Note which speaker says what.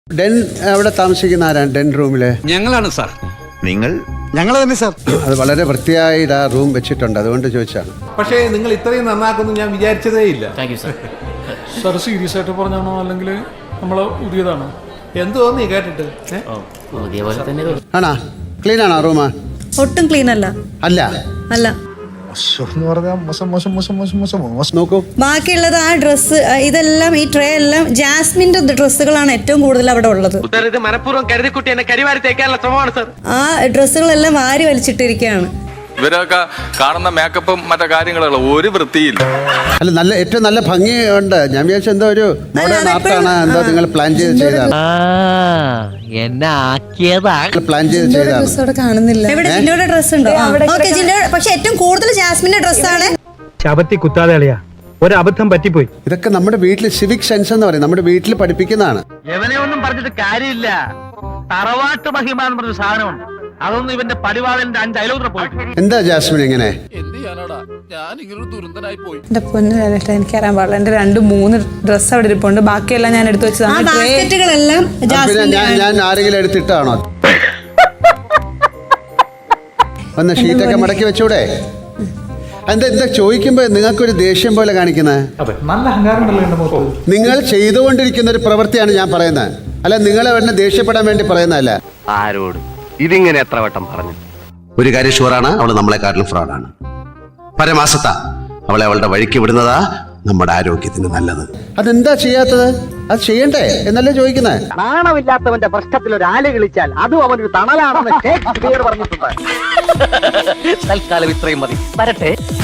Speaker 1: Den അവിടെ താമസിക്കുന്ന ആരാണ് ഡെൻ റൂമില്?
Speaker 2: ഞങ്ങളാണ് സാർ.
Speaker 3: ഞങ്ങൾ തന്നെ സാർ.
Speaker 1: അത് വളരെ വൃത്തിയായിട്ട് ആ റൂം വെച്ചിട്ടുണ്ട്, അതുകൊണ്ട് ചോദിച്ചാണ്.
Speaker 4: പക്ഷേ നിങ്ങൾ ഇത്രയും നന്നാക്കുന്നു ഞാൻ വിചാരിച്ചതേ ഇല്ല.
Speaker 5: സാർ സീരിയസ് ആയിട്ട് പറഞ്ഞാണോ അല്ലെങ്കിൽ നമ്മളെ പുതിയതാണോ?
Speaker 4: എന്ത് തോന്നി കേട്ടിട്ട്?
Speaker 1: ആണാ? ക്ലീൻ ആണോ റൂം?
Speaker 6: ഒട്ടും ക്ലീൻ അല്ല.
Speaker 1: അല്ല
Speaker 6: അല്ല,
Speaker 3: എന്ന് പറഞ്ഞാൽ മോശം.
Speaker 1: നോക്കൂ,
Speaker 6: ബാക്കിയുള്ളത് ആ ഡ്രസ്സ് ഇതെല്ലാം ഈ ട്രേ എല്ലാം ജാസ്മിന്റെ ഡ്രസ്സുകളാണ് ഏറ്റവും കൂടുതൽ അവിടെ ഉള്ളത്. ആ ഡ്രസ്സുകളെല്ലാം വാരി വലിച്ചിട്ടിരിക്കുകയാണ്.
Speaker 7: ഇവരൊക്കെ കാണുന്ന മേക്കപ്പും മറ്റു കാര്യങ്ങളുള്ള ഒരു വൃത്തിയില്ല.
Speaker 1: അല്ല, നല്ല ഏറ്റവും നല്ല ഭംഗിയുണ്ട്. ഞാൻ വിചാരിച്ച എന്തോ ഒരു മോഡേൺ ആർട്ടാണ്, എന്തോ നിങ്ങൾ പ്ലാൻ ചെയ്താണ്. പ്ലാൻ ചെയ്താണ്.
Speaker 6: കാണുന്നില്ല. എവിടെ ജിൻഡോയുടെ ഡ്രസ് ഉണ്ടോ? Okay, Jindo. പക്ഷെ ഏറ്റവും കൂടുതൽ ജാസ്മിന്റെ ഡ്രസ്സാണ്.
Speaker 8: ശബത്തി കുത്താതെ അളിയാ, ഒരു അബദ്ധം പറ്റിപ്പോയി.
Speaker 1: ഇതൊക്കെ നമ്മുടെ വീട്ടിൽ സിവിക് സെൻസ് എന്ന് പറയും, നമ്മുടെ വീട്ടിൽ പഠിപ്പിക്കുന്നതാണ്.
Speaker 9: എവനെ ഒന്നും പറഞ്ഞിട്ട് കാര്യമില്ല. തറവാട്ട് മഹിമ എന്ന് പറഞ്ഞ സാധനമുണ്ട്, അതൊന്നും ഇവന്റെ പരിപാടിന്റെ 5 അയലോത്ര പോയിട്ട്.
Speaker 1: എന്താ ജാസ്മിൻ ഇങ്ങനെ?
Speaker 10: എന്റെ പൊന്നു എനിക്കറിയാൻ പാടില്ല. എന്റെ 2-3 ഡ്രസ്സ് അവിടെ ഇരിപ്പുണ്ട്, ബാക്കിയെല്ലാം ഞാൻ എടുത്തു വെച്ചതാണ്.
Speaker 6: ബാസ്ക്കറ്റുകളെല്ലാം
Speaker 1: ഞാൻ ആരെങ്കിലും എടുത്തിട്ടാണോ? ഒന്ന് ഷീറ്റൊക്കെ മടക്കി വെച്ചൂടെ? എന്താ ചോദിക്കുമ്പോ നിങ്ങൾക്കൊരു ദേഷ്യം പോലെ കാണിക്കുന്നത്?
Speaker 5: നല്ല അഹങ്കാരം ഉണ്ടല്ലോ എന്റെ മുഖത്ത്.
Speaker 1: നിങ്ങൾ ചെയ്തുകൊണ്ടിരിക്കുന്ന ഒരു പ്രവൃത്തിയാണ് ഞാൻ പറയുന്നത്, അല്ല നിങ്ങളെ വേണ്ട ദേഷ്യപ്പെടാൻ വേണ്ടി പറയുന്നതല്ല.
Speaker 9: ആരോട് ഇതിങ്ങനെ എത്ര വട്ടം പറഞ്ഞു?
Speaker 11: ഒരു കാര്യം ഷുവറാണ്, അവള് നമ്മളെക്കാട്ടിലും ഫ്രോഡാണ്. പരമാസത്ത അവളെ അവളുടെ വഴിക്ക് വിടുന്നതാ നമ്മുടെ ആരോഗ്യത്തിന് നല്ലത്.
Speaker 1: അതെന്താ ചെയ്യാത്തത്? അത് ചെയ്യണ്ടേ എന്നല്ലേ ചോദിക്കുന്നത്?
Speaker 9: നാണമില്ലാത്തവന്റെ പ്രശ്നത്തിൽ ഒരു ആല് കളിച്ചാൽ അതും അവനൊരു തണലാണെന്ന് ഷേക്സ്പിയർ പറഞ്ഞിട്ടുണ്ട്. തൽക്കാലം ഇത്രയും മതി, വരട്ടെ.